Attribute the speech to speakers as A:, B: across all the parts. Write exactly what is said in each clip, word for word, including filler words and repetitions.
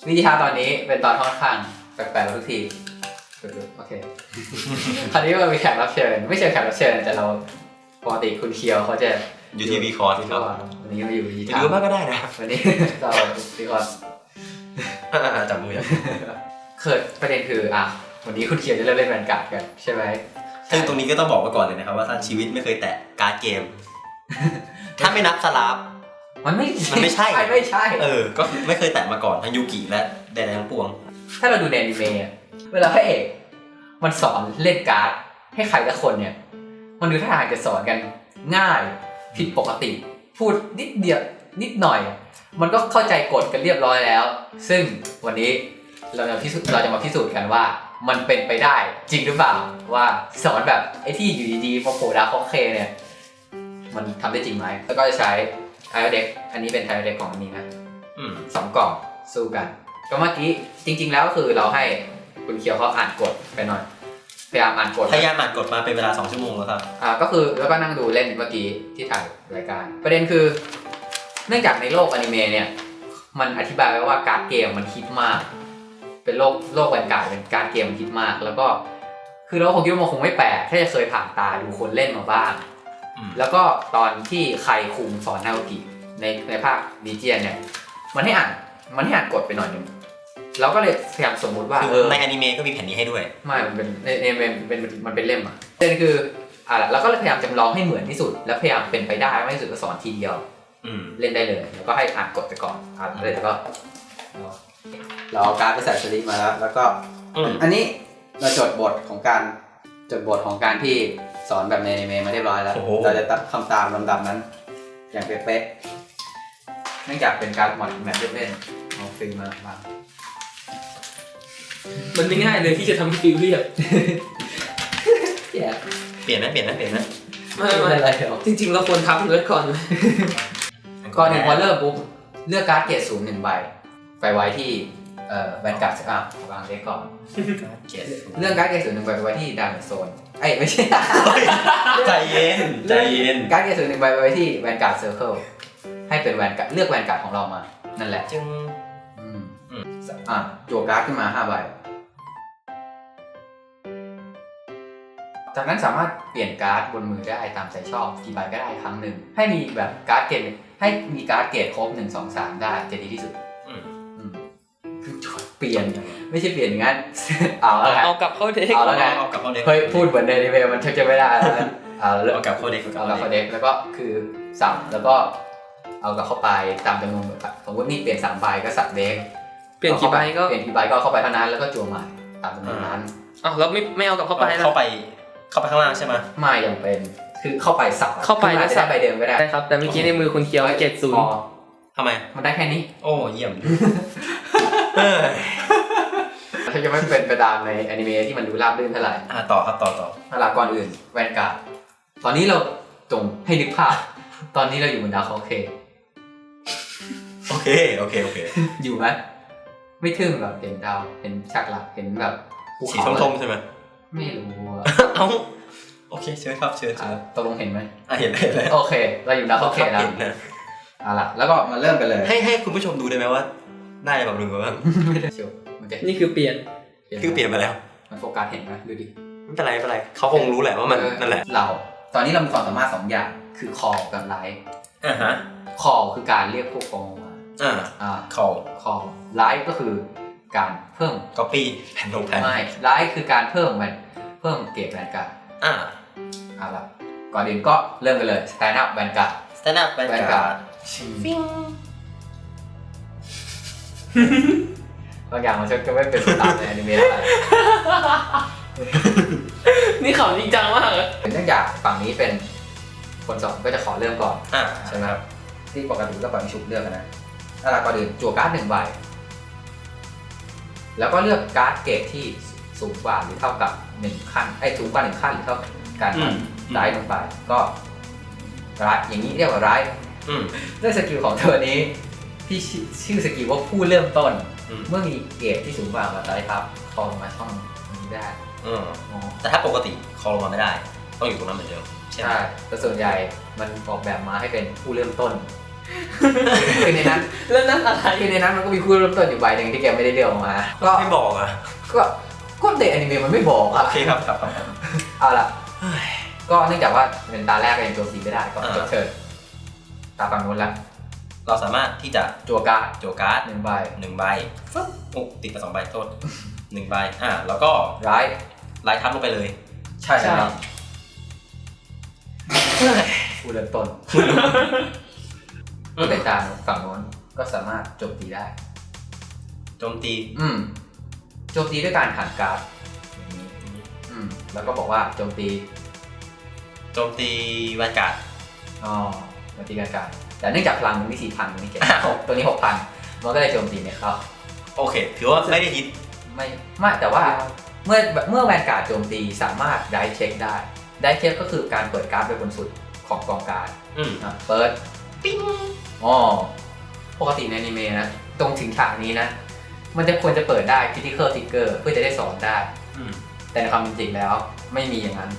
A: วิธีทำตอนนี้เป็นตอนค่อนข้างแปลกๆทุกทีโอเค คราวนี้เรามีแขกรับเชิญไม่ใช่แขกรับเชิญแต่เราปกติคุณเคียวเขาจะ
B: อยู่ที่วีคอร์สครับ
A: วันนี้มาอยู่วิธี
B: ห
A: ทำ
B: รือมากก็ได้นะ
A: วันนี้เราวีคอร์ส
B: จับมืออย่าง
A: เกิดประเด็นคืออ่ะวันนี้คุณเคียวจะเริ่มเล่นแวนการ์ดกันใช่ไหม
B: ซึ่งตรงนี้ก็ต้องบอกไว้ก่อนเลยนะครับว่าถ้าชีวิตไม่เคยแตะการ์ดเกม ถ้าไม่นับสลับ
A: มันไม่
B: มันไม่ใช่
A: ไม่ใช่
B: เออก็ไม่เคยแตะมาก่อนทั้งยูกิและแดนทั้งปวง
A: ถ้าเราดูในอนิเมะเวลาพระเอกมันสอนเล่นการ์ดให้ใครละคนเนี่ยมันดูท่าทางจะสอนกันง่ายผิดปกติพูดนิดเดียวนิดหน่อยมันก็เข้าใจกฎกันเรียบร้อยแล้วซึ่งวันนี้เราจะพิสูจน์เราจะมาพิสูจน์กันว่ามันเป็นไปได้จริงหรือเปล่าว่าสอนแบบไอ้ที่อยู่ดีๆมาโผล่ดาวเคเนี่ยมันทำได้จริงไหมแล้วก็จะใช้ไทโอเด็กอันนี้เป็นไทโอเด็กของอันนี้นะสองกล่องสู้กันก็เมื่อกี้จริงๆแล้วก็คือเราให้คุณเคียวเขาอ่านกฎไปหน่อยพยายามอ่านกฎ
B: พยายามอ่านกฎมาเป็นเวลาสองชั่วโมงแล้วครับ
A: อ่าก็คือแล้วก็นั่งดูเล่นเมื่อกี้ที่ถ่ายรายการประเด็นคือเนื่องจากในโลกอนิเมะเนี่ยมันอธิบายไว้ว่าการ์ดเกมมันฮิตมากเป็นโลกโลกแวนการ์ดเป็นการ์ดเกมมันฮิตมากแล้วก็คือเราคงคิดว่ามันคงไม่แปลกถ้าจะเคยผ่านตาดูคนเล่นมาบ้างแล้วก็ตอนที่ใครคุมสอนนาโอกิในในภาคดีเจียนเนี่ยมันให้อ่านมันให้อ่านกฎไปหน่อยนึงเราก็เลยพยายามสมมุติว่าเออ
B: ในอนิเมะก็มีแผ่นนี้ให้ด้วย
A: ไม่มันเป็นในในเป็นมันเป็นเล่มอ่ะประเด็นคืออ่ะเราก็เลยพยายามจำลองให้เหมือนที่สุดแล้วพยายามเป็นไปได้ไม่ที่สุดก็สอนทีเดียวเล่นได้เลยแล้วก็ให้อ่านกฎไปก่อนอ่านเลยแล้วก็เราเอาการ์ดไปใส่สลิปมาแล้วแล้วก็อันนี้เราจดบทของการจดบทของการที่สอนแบบในอนิเมะมาเรียบร้อยแล้วเราจะทำตามลำดับนั้นอย่างเป๊ะๆเนื่องจากเป็นการหมดแมทเล่นๆเอาฟิล์มมาบ้าง
C: มันไม่ง่ายเลยที่จะทำให้ฟิลเรียบ
B: เปลี่ยนนะเปลี่ยนนะเปลี่ยนนะ
C: ไม่ไม่อะไรจริงๆเราควรทำเลยก่อน
A: ก่อนหนึ่งพอเริ่มปุ๊บเลือกการ์ดเกรดศูนย์หนึ่งใบไปไว้ที่เอ่อแวนการ์ดอ่ะวางเล็กก่อนเรื่องการ์ดเกรดศูนย์หนึ่งใบไปไว้ที่ดาร์กโซนเอ้ยไม่ใช่
B: ใจเย็นใจเย็น
A: การ์ดเกรดศูนย์หนึ่งใบไปไว้ที่แวนการ์ดเซอร์เคิลให้เป็นแวนการ์ดเลือกแวนการ์ดของเรามานั่นแหละ
B: จึง
A: อ่ะจั่วการ์ดขึ้นมาห้าใบจากนั้นสามารถเปลี่ยนการ์ดบนมือได้ตามใจชอบกี่ใบก็ได้ครั้งหนึ่งให้มีแบบการ์ดเกรดให้มีการ์ดเกรดครบหนึ่ง สอง สามได้จะดีที่สุดเปลี่ยนไม่ใช่เปลี่ยนอย่างนั้นเอาแล้วไง
C: เอากลับเข้าเด็ก
A: เอาแล้วไง
B: เอากลับเข้าเด็ก
A: เฮ้ยพูดเหมือนในอนิเมะมันจะไม่ได้แล้วนะเอาแล้ว
B: เอากลับเข้าเด็ก
A: เอากลับเข้าเด็กแล้วก็คือสับแล้วก็เอากลับเข้าไปตามจำนวนสมมตินี่เปลี่ยนสามใบก็สับเด็ก
C: เปลี่ยนกี่ใบก็
A: เปลี่ยนกี่ใบก็เข้าไปเท่านั้นแล้วก็จั่วใหม่ตามจำนวนนั้น
C: อ้าวแล้วไม่ไม่เอากลับเข้าไป
B: เข้าไปเข้าไปข้างล่างใช่ไหม
A: ไม่ยังเป็นคือเข้าไปสับ
C: เข้าไปแล้วสับ
A: ใบเดิมก็ได้
C: ใช่ครับแต่เมื่อกี้ในมือคุณเคียวเจ็ดศูนย์
B: ทำไม
A: มันได้แค่นี้
B: โอ้เยี่ยม
A: ถ้าจะไม่เป็นไปตามในอนิเมะที่มันดูราบรื่นเท่าไหร่
B: อ่าต่อครับต่อต่อ
A: เวลาก่อนอื่นแวนการ์ดตอนนี้เราจงให้นึกภาพตอนนี้เราอยู่บนดาวเคราะห์เค
B: โอเคโอเคโอเค
A: อยู่ไหมไม่ทึ่งแบบเห็นดาวเห็นฉากหลักเห็นแบบ
B: สีทมๆใช่ไหม
A: ไม่รู้
B: เอ้าโอเคเชิญครับเชิญเชิญ
A: ตกลงเห็นไหม
B: อ่ะเห็นเลย
A: โอเคเราอยู่ดาวเคราะห์เคแล้วเอาล่ะแล้วก็มาเริ่มกันเลย
B: ให้ให้คุณผู้ชมดูได้ไหมว่าได้แบบนึงบ้าง
A: ไม่ได้เชียว
C: นี่คือเปลี่ยน
B: คือเปลี่ยนไปแล้ว
A: มันโฟกัสเห็นไหมดูดิ
B: ไม่เป็นไรไม่เป็นไรเขาคงรู้แหละว่ามันนั่นแหละ
A: เราตอนนี้เรามีความสามารถสองอย่างคือ call กับ live
B: อ่าฮะ
A: call คือการเรียกพวกกองมา
B: อ่าอ่า call
A: call live ก็คือการเพิ่ม
B: copy แผ่นลงแผ่น
A: ไม่ live คือการเพิ่มมันเพิ่มเกรดแวนการ์ด
B: อ่า
A: เอาล่ะก่อนอื่นก็เริ่มกันเลย stand up แวนการ์ด
B: stand up แวนการ์ด
A: ฟิงบางอย่างมันจะไม่เป็นตามในอนิเมะอะไร
C: นี่ข่าวจริงจังมากเลย
A: เนื่องจากฝั่งนี้เป็นคนสอนก็จะขอเริ่มก่อน
B: อ่า
A: ใช่ไหมครับที่ปกติก็ปล่อยชุบเลือกกันนะถ้าเราก่อนอื่นจั่วการ์ดหนึ่งใบแล้วก็เลือกการ์ดเกรดที่สูงกว่าหรือเท่ากับหนึ่งขั้นไอ้สูงกว่าหนึ่งขั้นหรือเท่าการไร้ลงไปก็ร้ายอย่างนี้เรียกว่าร้ายด้วยสกิลของเธอนี้ที่ชื่อสกิลว่าผู้เริ่มต้นเมื่อมีเกรดที่สูงกว่ามาได้ครับคอลงมาช่องนี้ได้
B: แต่ถ้าปกติคอลงมาไม่ได้ต้องอยู่ตรงนั้นเหมือนเดิม
A: ใช่แต่ส่วนใหญ่มันออกแบบมาให้เป็นผู้เริ่มต้นคือในนั้น
C: แล้วนั่นอะไร
A: คือในนั้นมันก็มีคู่เริ่มต้นอยู่ใบหนึ่งที่แกไม่ได้เลือกออกมา ก็
B: ไม่บอกอ่ะ
A: ก็ก็เด็กอนิเมะมันไม่บอกอะ
B: โอเคครับครับครับ
A: เอาล่ะก็เนื่องจากว่าเป็นตาแรกก็ยังโจมตีไม่ได้ก็จบเทิร์นตาฝั่งนู้นแล้ว
B: เราสามารถที่จะ
A: จั่วการ์ด
B: โจการ์ด
A: หนึ่งใบ
B: หนึ่งใบฟึ๊บโอ้ติดมาสองใบโทษหนึ่งใบอ่าแล้วก็
A: ร้าย
B: ไล่ทับลงไปเลย
A: ใช่ครับผู้เริ่มต้นก็แต่ตามฝั่งโน้นก็สามารถโจมตีได้
B: โจมตี
A: อืมโจมตีด้วยการหันการ์ดอย่างนี้อืมแล้วก็บอกว่าโจมตี
B: โจมตีแวนการ์ด
A: อ๋อโจมตีการการ์ดแต่เนื่องจากพลังมันมีสี่พันมันไม่เก็บ
B: อ้าว
A: หกตัวนี้หกพันมันก็เลยโจมตีไม่เข้า
B: โอเค ถือว่าไม่ได้ฮิต
A: ไม่ไม่แต่ว่าเมื่อเมื่อแวนการ์ดโจมตีสามารถได้เช็คได้ได้เช็คก็คือการเปิดการ์ดไปบนสุดของกองการ์ด
B: อืม
A: อ่ะเปิดปิ้งอ๋อปกติในอนิเมะนะตรงถึงฉากนี้นะ มันจะควรจะเปิดได้ critical trigger เพื่อจะได้สอนได้
B: อืม
A: แต่ในความเป็นจริงแล้วไม่มีอย่างนั้น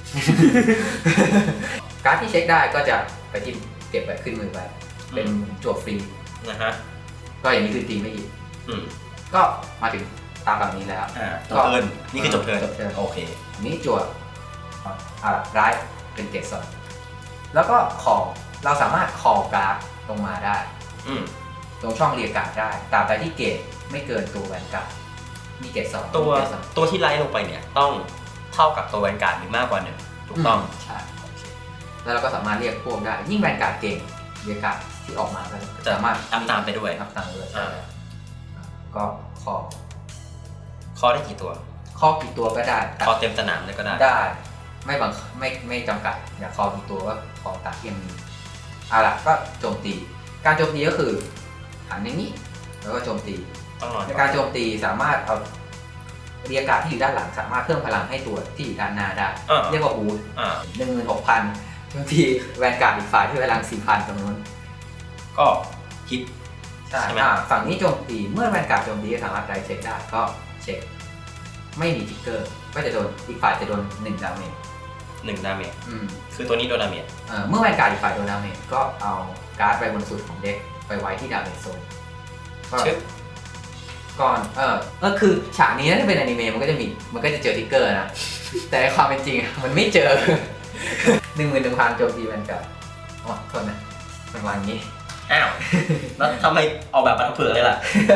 A: การ์ดที่เช็คได้ก็จะไปที่เก็บไว้ขึ้นมือไปเป็นจั่วฟรี
B: นะฮะ
A: ก็อย่างนี้คือตีไม่อีก
B: อืม
A: ก็มาถึงตามฝั่งนี้แล้ว
B: อ่าจบเทิร์นนี่คือจบเทิร์น
A: จบเทิร์น
B: โอเค
A: อันนี้จั่วอ่าร้ายเป็นเกรดสองแล้วก็คอเราสามารถคอการ์ดลงมาได้
B: อืม
A: ตรงช่องเรียกการ์ดได้ตราบใดที่เกรดไม่เกินตัวแวนการ์ดมีเกรดสอง
B: ตัว
A: มีเกรดสอง
B: ตัวที่ไล่ลงไปเนี่ยต้องเท่ากับตัวแวนการ์ดหรือมากกว่าหนึ่งถูกต้อง
A: ใช่โอเคแล้วเราก็สามารถเรียกพวกได้ยิ่งแวนการ์ดเก่งเรียกการ์ดที่ออกมาก็
B: จะ
A: สามารถ
B: อัพตามไปด้วย
A: อัพตามไปด้วย
B: อ่า
A: ก็คอ
B: ข้อได้กี่ตัว
A: ข้อกี่ตัวก็ได้
B: ข้อเต็มสนามเลยก็ได้
A: ได้ไม่บังคับไม่ไม่จำกัดอยากคอกี่ตัวก็คอตัดเทียมนี้เอาล่ะก็โจมตี การโจมตีก็คือหันอย่างนี้แล้วก็โจมตี
B: ต้องนอน
A: ในการโจมตีสามารถเอาเรียกการ์ดที่อยู่ด้านหลังสามารถเพิ่มพลังให้ตัวที่อยู่ด้านหน้าได้
B: อ่า
A: เรียกว่าบูส
B: อ่า
A: หนึ่งหมื่นหกพันโจมตีแวนการ์ดอีกฝ่ายที่พลังสี่พันตรงนู้น
B: ก็ฮิต
A: ใช่
B: ใช่ไหม
A: อ่าฝั่งนี้โจมตีเมื่อแวนการ์ดโจมตีก็สามารถไดเช็คได้ก็เช็คไม่มีทิกเกอร์ก็จะโดนอีกฝ่ายจะโดนหนึ่งดาเมจ
B: หนึ่งดาเมจ
A: อืม
B: คือตัวนี้โดนดาเมจ
A: เอ่อเมื่อแวนการ์ดอีกฝ่ายโดนดาเมจก็เอาการ์ดไปบนสุดของเด็กไปไว้ที่ดาเมจโซนก็
B: ชึบ
A: ก่อนเออก็คือฉากนี้ถ้าเป็นอนิเมะมันก็จะมีมันก็จะเจอทิกเกอร์นะ แต่ในความเป็นจริงอะมันไม่เจอ หนึ่งหมื่นหนึ่งพันโจมตีแวนการ์ดอ๋อโทษนะมันวางอย่างนี้
B: อ้าว แล้วทำไมออกแบบมาทำเผื่อเลยล่ะ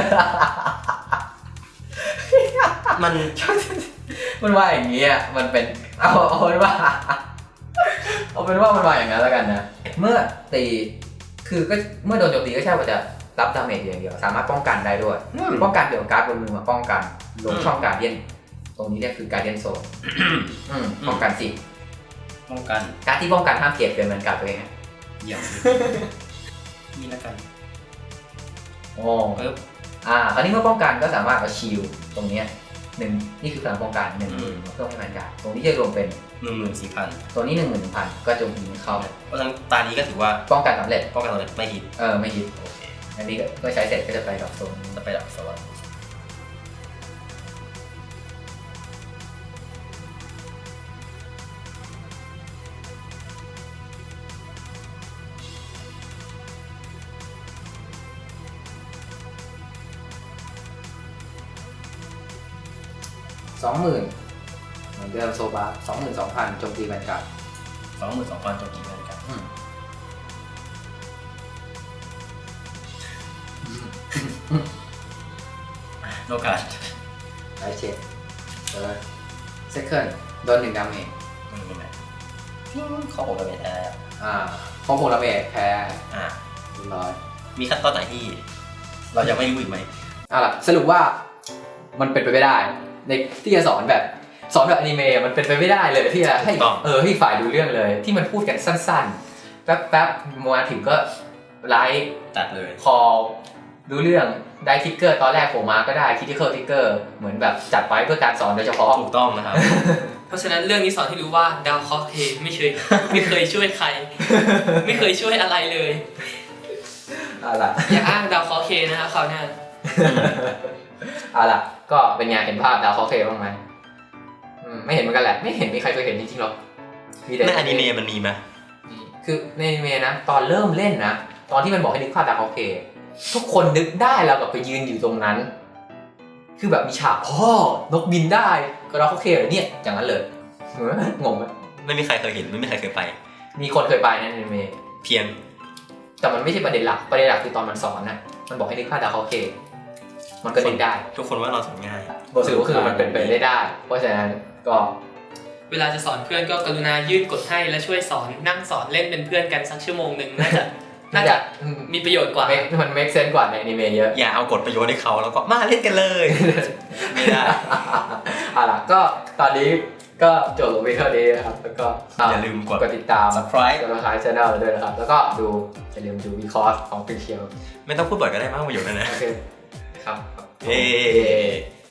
B: มัน
A: มันว่าอย่างนี้อ่ะมันเป็นเอาเอาเป็นว่า เอาเป็นว่ามันว่าอย่างนั้นแล้วกันนะ เมื่อตีคือก็เมื่อโดนโจมตีก็ใช่ว่าจะรับดาเมจอย่างเดียวสามารถป้องกันได้ด้วย
B: อืม
A: ป้องกันเกี่ยวกับการ์ดบนมือมาป้องกันลง
B: อืม
A: ช่องการเดียนตรงนี้เนี่ยคือการเดียนโซนอืมป้องกันสิ
B: ป้องกัน
A: การดที่ป้องกันห้ามเกียรติเกินเหมือนกับตัวเองอะ
B: เยี่ยมนี่แล้วกัน
A: โอ้
B: ปึ๊บ
A: อ่าคราวนี้เมื่อป้องกันก็สามารถเอาชิลตรงเนี้ยหนึ่งนี่คือพลังป้องกันหนึ่ง
B: อืม
A: เพิ่มให้แวนการ์ดตรงนี้จะรวมเป็น
B: หนึ่งหมื่นสี่พัน
A: ตัวนี้หนึ่งหมื่นหนึ่งพันก็โจมตีไม่เข้า
B: เพราะฉะนั้นตานี้ก็ถือว่า
A: ป้องกันสำเร็จ
B: ป้องกันเราไม่ฮิต
A: เออไม่ฮิต
B: โอเค
A: อันนี้ก็เมื่อใช้เสร็จก็จะไปกับโซน
B: จะไปดับสวัสดิ์
A: สองหมื่นเหมือนเดิมโซบาสองหมื่นสองพันโจมตีแวนการ์ด
B: สองหมื่นสองพันโจมตีเหมือนกัน
A: อืม
B: โลกาส
A: ไลท์เช็คเออเซคันด์โดนหนึ่งดาเมจ
B: มันเป็นไงข้อผมดาเมจแท้
A: อ่าพอโพลาเมจแพ้
B: อ่า
A: เรียบร้อย
B: มีขั้นตอนไหนที่ เรายังไม่รู้อีกไหม
A: เอาล่ะสรุปว่ามันเป็นไปไม่ได้ในที่จะสอนแบบสอนแบบอนิเมะมันเป็นไปไม่ได้เลยที่จะให้
B: ถูกต้อง
A: เออให้ฝ่ายดูเรื่องเลย ที่มันพูดกันสั้นๆ แป๊บๆมาถึงก็ไลฟ์
B: ตัดเลย
A: คอลดูเรื่องได้ทิกเกอร์ตอนแรกผมมาก็ได้คิดที่เคอร์ทิกเกอร์เหมือนแบบจัดไว้เพื่อการสอนโดยเฉพาะ
B: ถูกต้องนะครับ
C: เพราะฉะนั้นเรื่องนี้สอนให้รู้ว่าดาวเคราะห์เทไม่เคยไม่เคยช่วยใคร ไม่เคยช่วยอะไรเลย
A: เอาล่ะ
C: อย่าอ้างดาวเคราะห์เคนะคะคราวหน้า
A: เอาล่ะก็เป็นไงเห็นภาพดาวเคราะห์เคบ้างไหมอืมไม่เห็นเหมือนกันแหละไม่เห็นมีใครเคยเห็นจริงๆหรอกมีแต่
B: ในอนิเมะมันมีไหม
A: คือในอนิเมะนะตอนเริ่มเล่นนะตอนที่มันบอกให้นึกภาพดาร์คฮอกเคทุกคนนึกได้แล้วกับไปยืนอยู่ตรงนั้น คือแบบมีฉากพ่อนกบินได้ก็ดาร์คฮอกเคเหรอเนี่ยอย่างนั้นเลยงงไหม
B: ไม่มีใครเคยเห็นไม่มีใครเคยไป
A: มีคนเคยไปนะในเม
B: เพียง
A: แต่มันไม่ใช่ประเด็นหลักประเด็นหลักคือตอนมันสอนนะมันบอกให้นึกภาพดาร์คฮอกเคมันก็นึกได้
B: ทุกคนว่าเราสอนง่าย
A: บทสรุปก็คือมันเป็นไปได้ได้ เพราะฉะนั้นก็
C: เวลาจะสอนเพื่อนก็กรุณายื่นกดให้และช่วยสอนนั่งสอนเล่นเป็นเพื่อนกันสักชั่วโมงหนึ่งน่าจะน่าจะมีประโยชน์กว่า
A: make มัน make sense กว่าในอนิเมะเยอะ
B: อย่าเอากฎประโยชน์ให้เขาแล้วก็มาเล่นกันเลย ไม่ได้
A: เอาล่ะก็ตอนนี้ก็จบลงไปเท่านี้นะครับแล้วก็
B: อย่าลืมกด
A: กดติดตาม
B: subscribe
A: กด subscribe channel เราด้วยนะครับ แล้วก็ดูอย่าลืมดูวีคอร์สของฟิเชียล
B: ไม่ต้องพูดบ่อยก็ได้มากประโยชน์นะนะ
A: โอเคครับ
B: เย้